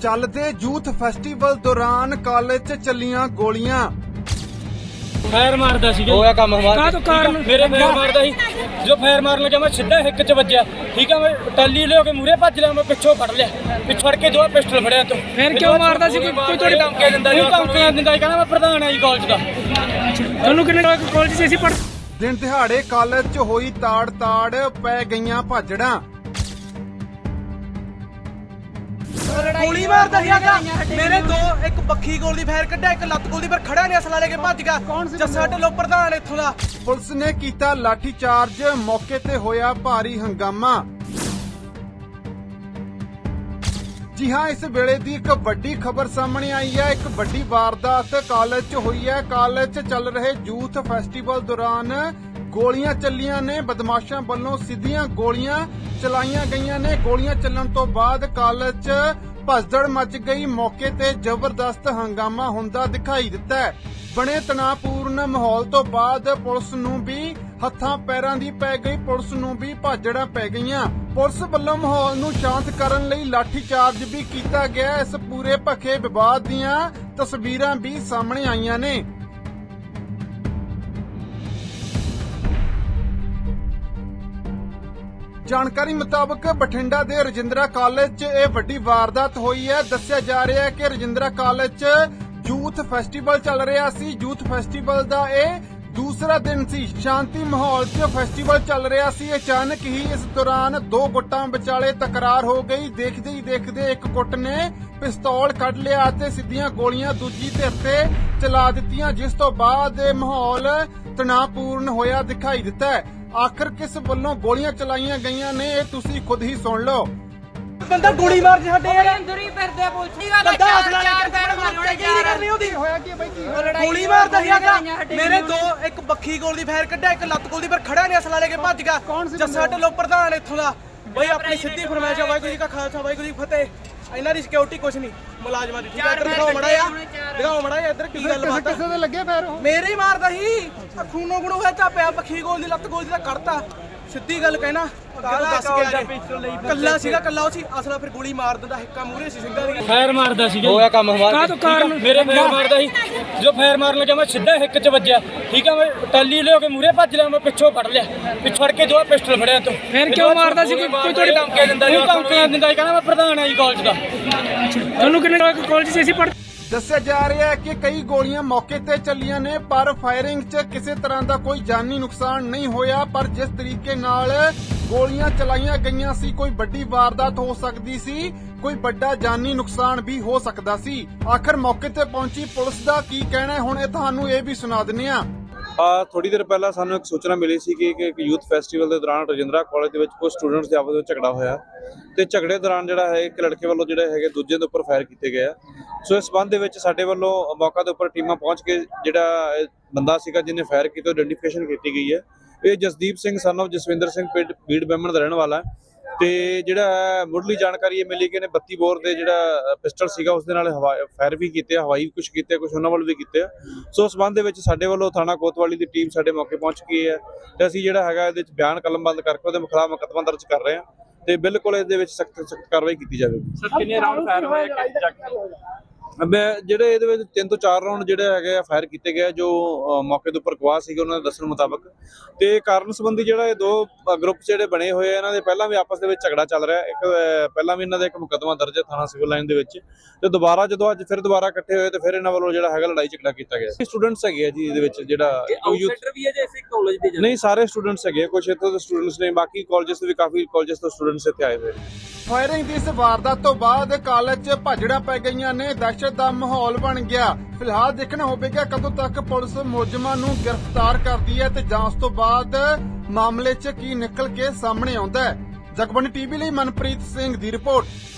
ਚੱਲਦੇ youth festival ਦੌਰਾਨ college 'ਚ ਚੱਲੀਆਂ ਗੋਲੀਆਂ। ਫਾਇਰ ਮਾਰਦਾ ਸੀ ਹੋਇਆ ਕੰਮ ਹਮਾਰਾ तो कारण मेरे फायर मारदा ਸੀ जो फायर मारन लगा मैं सीधा हिक च वज्जिया ठीक है मैं टाली ले के मूरे भज लिया मैं पिछों फड़ लिया पिछड़ के जो पिस्टल फड़िया तो फिर क्यों मारदा ਸੀ कोई थोड़ी धमकी दिंदा जी धमकी दिंदा कहना मैं प्रधान है जी कॉलेज दा ਤੁਹਾਨੂੰ ਕਿੰਨੇ ਕਾਲਜ 'ਚ ਅਸੀਂ ਪੜ੍ਹ ਦਿਨ ਦਿਹਾੜੇ ਕਾਲਜ 'ਚ ਹੋਈ ਤਾੜ ਪੈ ਗਈਆਂ ਭਾਜੜਾਂ। ਗੋਲੀ ਮਾਰਦਾ ਸੀਗਾ ਮੇਰੇ ਦੋ ਇੱਕ ਬੱਖੀ ਗੋਲ ਦੀ ਫਾਇਰ ਕੱਢਿਆ ਇੱਕ ਲੱਤ ਗੋਲ ਦੀ ਪਰ ਖੜਾ ਨਹੀਂ ਅਸਲਾ ਲੈ ਕੇ ਭੱਜ ਗਿਆ ਜੱਸਾ ਢਿੱਲੋਂ ਪ੍ਰਧਾਨ ਇੱਥੋਂ ਦਾ। ਪੁਲਿਸ ਨੇ ਕੀਤਾ ਲਾਠੀ ਚਾਰਜ, ਮੌਕੇ ਤੇ ਹੋਇਆ ਭਾਰੀ ਹੰਗਾਮਾ। ਜੀ ਹਾਂ, ਇਸ ਵੇਲੇ ਦੀ ਇੱਕ ਵੱਡੀ ਖਬਰ ਸਾਹਮਣੇ ਆਈ ਹੈ। ਇੱਕ ਵੱਡੀ ਵਾਰਦਾਤ ਕਾਲਜ 'ਚ ਹੋਈ ਹੈ। ਕਾਲਜ 'ਚ ਚੱਲ ਰਹੇ ਯੂਥ ਫੈਸਟੀਵਲ ਦੌਰਾਨ ਗੋਲੀਆਂ ਚੱਲੀਆਂ ਨੇ। ਬਦਮਾਸ਼ਾਂ ਵੱਲੋਂ ਸਿੱਧੀਆਂ ਗੋਲੀਆਂ ਚਲਾਈਆਂ ਗਈਆਂ ਨੇ। ਗੋਲੀਆਂ ਚੱਲਣ ਤੋਂ ਬਾਅਦ ਕਾਲਜ 'ਚ ਭਸਦੜ ਮਚ ਗਈ। ਮੌਕੇ ਤੇ ਜ਼ਬਰਦਸਤ ਹੰਗਾਮਾ ਹੁੰਦਾ ਦਿਖਾਈ ਦਿੱਤਾ ਹੈ। ਬਣੇ ਤਣਾਅਪੂਰਨ ਮਾਹੌਲ ਤੋਂ ਬਾਅਦ ਪੁਲਿਸ ਨੂੰ ਵੀ ਹੱਥਾਂ ਪੈਰਾਂ ਦੀ ਪੈ ਗਈ। ਪੁਲਿਸ ਨੂੰ ਵੀ ਭਾਜੜਾਂ ਪੈ ਗਈਆਂ। ਪੁਲਿਸ ਵੱਲੋਂ ਮਾਹੌਲ ਨੂੰ ਸ਼ਾਂਤ ਕਰਨ ਲਈ ਲਾਠੀ ਚਾਰਜ ਵੀ ਕੀਤਾ ਗਿਆ। ਇਸ ਪੂਰੇ ਭਖੇ ਵਿਵਾਦ ਦੀਆਂ ਤਸਵੀਰਾਂ ਵੀ ਸਾਹਮਣੇ ਆਈਆਂ ਨੇ। ਜਾਣਕਾਰੀ ਮੁਤਾਬਕ ਬਠਿੰਡਾ ਦੇ ਰਜਿੰਦਰਾ ਕਾਲਜ 'ਚ ਇਹ ਵੱਡੀ ਵਾਰਦਾਤ ਹੋਈ ਹੈ। ਦੱਸਿਆ ਜਾ ਰਿਹਾ ਹੈ ਕਿ ਰਜਿੰਦਰਾ ਕਾਲਜ 'ਚ ਯੂਥ ਫੈਸਟੀਵਲ ਚੱਲ ਰਿਹਾ ਸੀ। ਯੂਥ ਫੈਸਟੀਵਲ ਦਾ ਇਹ ਦੂਸਰਾ ਦਿਨ ਸੀ। ਸ਼ਾਂਤੀ ਮਾਹੌਲ 'ਚ ਫੈਸਟੀਵਲ ਚੱਲ ਰਿਹਾ ਸੀ। ਅਚਾਨਕ ਹੀ ਇਸ ਦੌਰਾਨ ਦੋ ਗੁੱਟਾਂ ਵਿਚਾਲੇ ਤਕਰਾਰ ਹੋ ਗਈ। ਦੇਖਦੇ ਹੀ ਦੇਖਦੇ ਇੱਕ ਗੁੱਟ ਨੇ ਪਿਸਤੌਲ ਕੱਢ ਲਿਆ ਅਤੇ ਸਿੱਧੀਆਂ ਗੋਲੀਆਂ ਦੂਜੀ ਧਿਰ ਤੇ ਚਲਾ ਦਿੱਤੀਆਂ, ਜਿਸ ਤੋਂ ਬਾਅਦ ਇਹ ਮਾਹੌਲ ਤਣਾਅਪੂਰਨ ਹੋਇਆ ਦਿਖਾਈ ਦਿੱਤਾ ਹੈ। ਆਖਰ ਕਿਸ ਵੱਲੋਂ ਗੋਲੀਆਂ ਚਲਾਈਆਂ ਗਈਆਂ ਨੇ ਇਹ ਤੁਸੀਂ ਖੁਦ ਹੀ ਸੁਣ ਲਓ। ਬੰਦਾ ਗੋਲੀ ਮਾਰ ਜੇ ਸਾਡੇ ਯਾਰ ਅੰਦਰ ਹੀ ਫਿਰਦੇ ਪੁੱਛੀ ਗੱਲ ਬੰਦਾ ਅਸਲਾ ਲੈ ਕੇ ਕਰਨੀ ਉਹਦੀ ਹੋਇਆ ਕੀ ਬਾਈ ਕੀ ਗੋਲੀ ਮਾਰਦਾ ਸੀਗਾ ਮੇਰੇ ਦੋ ਇੱਕ ਬੱਖੀ ਗੋਲ ਦੀ ਫਾਇਰ ਕੱਢਿਆ ਇੱਕ ਲੱਤ ਗੋਲ ਦੀ ਪਰ ਖੜਾ ਨਹੀਂ ਅਸਲਾ ਲੈ ਕੇ ਭੱਜ ਗਿਆ ਜੱਸਾ ਢਿੱਲੋਂ ਪ੍ਰਧਾਨ ਇੱਥੋਂ ਦਾ। ਬਈ ਆਪਣੀ ਸਿੱਧੀ ਫਰਮਾਇਸ਼ ਹੈ ਵਾਹਿਗੁਰੂ ਜੀ ਕਾ ਖਾਲਸਾ ਵਾਹਿਗੁਰੂ ਜੀ ਕੀ ਫਤਿਹ। ਇਹਨਾਂ ਦੀ ਸਿਕਿਉਰਿਟੀ ਕੁਛ ਨਹੀਂ ਮੁਲਾਜ਼ਮਾਂ ਦੀ ਠੀਕ ਹੈ। ਇੱਧਰ ਦਿਖਾਓ ਮੜਾ ਆ ਇੱਧਰ ਕੀ ਗੱਲ ਬਾਤ ਕਿਸੇ ਦੇ ਲੱਗੇ ਫੈਰ ਮੇਰੇ ਹੀ ਮਾਰਦਾ ਸੀ ਖੂਨੋ ਗੁਣੋ ਹੋਇਆ ਚਾਪਿਆ ਬੱਖੀ ਗੋਲ ਦੀ ਲੱਤ ਗੋਲ ਦੀ ਤਾਂ ਕੱਢਤਾ। ਸਿੱਧੀ ਗੱਲ ਕਹਿਣਾ ਦੱਸ ਗਿਆ ਕੱਲਾ ਸੀਗਾ ਕੱਲਾ ਉਹ ਸੀ ਅਸਲਾ ਫਿਰ ਗੋਲੀ ਮਾਰ ਦਿੰਦਾ ਹਿੱਕਾ ਮੂਹਰੇ ਸੀ ਸਿੰਘਾਂ ਦੀ फायर मारदा ਸੀ ਹੋਇਆ ਕੰਮ ਹਮਾਰਾ तो कारण मेरे फायर मारदा ਸੀ जो फायर मारन लगा मैं सीधा हिक च वज्जिया ठीक है मैं टाली ले के मूरे भज लिया मैं पिछों फड़ लिया पिछड़ के जो पिस्टल फड़िया तो फिर क्यों मारदा ਸੀ कोई थोड़ी धमकी दिंदा जी धमकी दिंदा कहना मैं प्रधान है जी कॉलेज दा ਤੁਹਾਨੂੰ ਕਿੰਨੇ ਕਾਲਜ 'ਚ ਅਸੀਂ ਪੜ੍ਹ ਦੱਸਿਆ ਜਾ ਰਿਹਾ ਹੈ ਕਿ ਕਈ ਗੋਲੀਆਂ ਮੌਕੇ ਤੇ ਚੱਲੀਆਂ ਨੇ, ਪਰ ਫਾਇਰਿੰਗ 'ਚ ਕਿਸੇ ਤਰ੍ਹਾਂ ਦਾ ਕੋਈ ਜਾਨੀ ਨੁਕਸਾਨ ਨਹੀਂ ਹੋਇਆ। ਪਰ ਜਿਸ ਤਰੀਕੇ ਨਾਲ ਗੋਲੀਆਂ ਚਲਾਈਆਂ ਗਈਆਂ ਸੀ, ਕੋਈ ਵੱਡੀ ਵਾਰਦਾਤ ਹੋ ਸਕਦੀ ਸੀ, ਕੋਈ ਵੱਡਾ ਜਾਨੀ ਨੁਕਸਾਨ ਵੀ ਹੋ ਸਕਦਾ ਸੀ। ਆਖਰ ਮੌਕੇ ਤੇ ਪਹੁੰਚੀ ਪੁਲਿਸ ਦਾ ਕੀ ਕਹਿਣਾ ਹੈ, ਹੁਣ ਇਹ ਤੁਹਾਨੂੰ ਇਹ ਵੀ ਸੁਣਾ ਦਿੰਦੇ ਹਾਂ। ਥੋੜੀ ਦੇਰ ਪਹਿਲਾਂ ਸਾਨੂੰ ਇੱਕ ਸੂਚਨਾ ਮਿਲੀ ਸੀ ਕਿ ਇੱਕ ਯੂਥ ਫੈਸਟੀਵਲ ਦੇ ਦੌਰਾਨ ਰਜਿੰਦਰਾ ਕਾਲਜ ਦੇ ਵਿੱਚ ਕੁਝ ਸਟੂਡੈਂਟਸ ਦੇ ਆਪਸ ਵਿੱਚ ਝਗੜਾ ਹੋਇਆ ਤੇ ਝਗੜੇ ਦੌਰਾਨ ਜਿਹੜਾ ਹੈ ਇੱਕ ਲੜਕੇ ਵੱਲੋਂ ਜਿਹੜੇ ਹੈਗੇ ਦੂਜੇ ਦੇ ਉੱਪਰ ਫਾਇਰ ਕੀਤੇ ਗਏ ਆ। ਸੋ ਇਸ ਸੰਬੰਧ ਦੇ ਵਿੱਚ ਸਾਡੇ ਵੱਲੋਂ ਮੌਕਾ ਦੇ ਉੱਪਰ ਟੀਮਾਂ ਪਹੁੰਚ ਕੇ ਜਿਹੜਾ ਬੰਦਾ ਸੀਗਾ ਜਿਹਨੇ ਫਾਇਰ ਕੀਤਾ ਉਹ ਆਇਡੈਂਟੀਫਿਕੇਸ਼ਨ ਕੀਤੀ ਗਈ ਹੈ। ਇਹ ਜਸਦੀਪ ਸਿੰਘ ਸਨ ਆਫ ਜਸਵਿੰਦਰ ਸਿੰਘ ਬੀੜ ਬੈਮਣ ਦਾ ਰਹਿਣ ਵਾਲਾ ਹੈ ਤੇ ਜਿਹੜਾ ਮੁੱਢਲੀ ਜਾਣਕਾਰੀ ਇਹ ਮਿਲੀ ਕਿ ਇਹਨੇ 32 ਬੋਰ ਦੇ ਜਿਹੜਾ ਪਿਸਟਲ ਸੀਗਾ ਉਸ ਦੇ ਨਾਲ ਫਾਇਰ ਵੀ ਕੀਤੇ, ਹਵਾਈ ਕੁਝ ਕੀਤੇ, ਕੁਝ ਉਹਨਾਂ ਵੱਲ ਵੀ ਕੀਤੇ ਆ। ਸੋ ਉਸ ਸੰਬੰਧ ਦੇ ਵਿੱਚ ਸਾਡੇ ਵੱਲੋਂ ਥਾਣਾ ਕੋਤਵਾਲੀ ਦੀ ਟੀਮ ਸਾਡੇ ਮੌਕੇ ਪਹੁੰਚ ਗਈ ਹੈ ਤੇ ਅਸੀਂ ਜਿਹੜਾ ਹੈਗਾ ਇਹਦੇ ਵਿੱਚ ਬਿਆਨ ਕਲਮਬੰਦ ਕਰਕੇ ਉਹਦੇ ਖਿਲਾਫ ਮੁਕੱਦਮਾ ਦਰਜ ਕਰ ਰਹੇ ਹਾਂ ਤੇ ਬਿਲਕੁਲ ਇਹਦੇ ਵਿੱਚ ਸਖਤ ਕਾਰਵਾਈ ਕੀਤੀ ਜਾਵੇਗੀ। सर कितने राउंड फायर होए ਜਿਹੜੇ ਇਹਦੇ ਵਿੱਚ 3 ਤੋਂ 4 ਰਾਉਂਡ ਜਿਹੜੇ ਹੈਗੇ ਆ ਫਾਇਰ ਕੀਤੇ ਗਏ ਜੋ ਮੌਕੇ ਦੇ ਉੱਪਰ ਗਵਾਹ ਸੀਗੇ ਉਹਨਾਂ ਦੇ ਦੱਸਣ ਮੁਤਾਬਕ। ਤੇ ਕਾਰਨ ਸੰਬੰਧੀ ਜਿਹੜਾ ਇਹ ਦੋ ਗਰੁੱਪ ਜਿਹੜੇ ਬਣੇ ਹੋਏ ਆ ਇਹਨਾਂ ਦੇ ਪਹਿਲਾਂ ਵੀ ਆਪਸ ਦੇ ਵਿੱਚ ਝਗੜਾ ਚੱਲ ਰਿਹਾ। ਇੱਕ ਪਹਿਲਾਂ ਵੀ ਇਹਨਾਂ ਦਾ ਇੱਕ ਮੁਕੱਦਮਾ ਦਰਜ ਹੈ ਥਾਣਾ ਸਿਵਲ ਲਾਈਨ ਦੇ ਵਿੱਚ ਤੇ ਦੁਬਾਰਾ ਜਦੋਂ ਅੱਜ ਫਿਰ ਦੁਬਾਰਾ ਇਕੱਠੇ ਹੋਏ ਤੇ ਫਿਰ ਇਹਨਾਂ ਵੱਲੋਂ ਜਿਹੜਾ ਹੈਗਾ ਲੜਾਈ ਝਗੜਾ ਕੀਤਾ ਗਿਆ। ਸਟੂਡੈਂਟਸ ਹੈਗੇ ਆ ਜੀ ਇਹਦੇ ਵਿੱਚ ਜਿਹੜਾ भी है जैसे कॉलेज दे ਨਹੀਂ ਸਾਰੇ ਸਟੂਡੈਂਟਸ ਹੈਗੇ, ਕੁਝ ਇੱਥੋਂ ਦੇ ਸਟੂਡੈਂਟਸ ਨੇ, ਬਾਕੀ ਕਾਲਜਸ ਤੋਂ ਵੀ ਕਾਫੀ ਕਾਲਜਸ ਤੋਂ ਸਟੂਡੈਂਟਸ ਇੱਥੇ ਆਏ ਹੋਏ ਨੇ। ਫਾਇਰਿੰਗ ਦੀ ਇਸ ਵਾਰਦਾਤ ਤੋਂ ਬਾਅਦ ਕਾਲਜ 'ਚ ਭਾਜੜਾਂ ਪੈ ਗਈਆਂ ਨੇ। ਦਹਿਸ਼ਤ ਦਾ ਮਾਹੌਲ ਬਣ ਗਿਆ। ਫਿਲਹਾਲ ਦੇਖਣਾ ਹੋਵੇਗਾ ਕਦੋਂ ਤੱਕ ਪੁਲਿਸ ਮੁਲਜ਼ਮਾਂ ਨੂੰ ਗ੍ਰਿਫਤਾਰ ਕਰਦੀ ਹੈ ਤੇ ਜਾਂਚ ਤੋਂ ਬਾਅਦ ਮਾਮਲੇ 'ਚ ਕੀ ਨਿਕਲ ਕੇ ਸਾਹਮਣੇ ਆਉਂਦਾ ਹੈ। ਜਗਬਾਣੀ ਟੀਵੀ ਲਈ ਮਨਪ੍ਰੀਤ ਸਿੰਘ ਦੀ ਰਿਪੋਰਟ।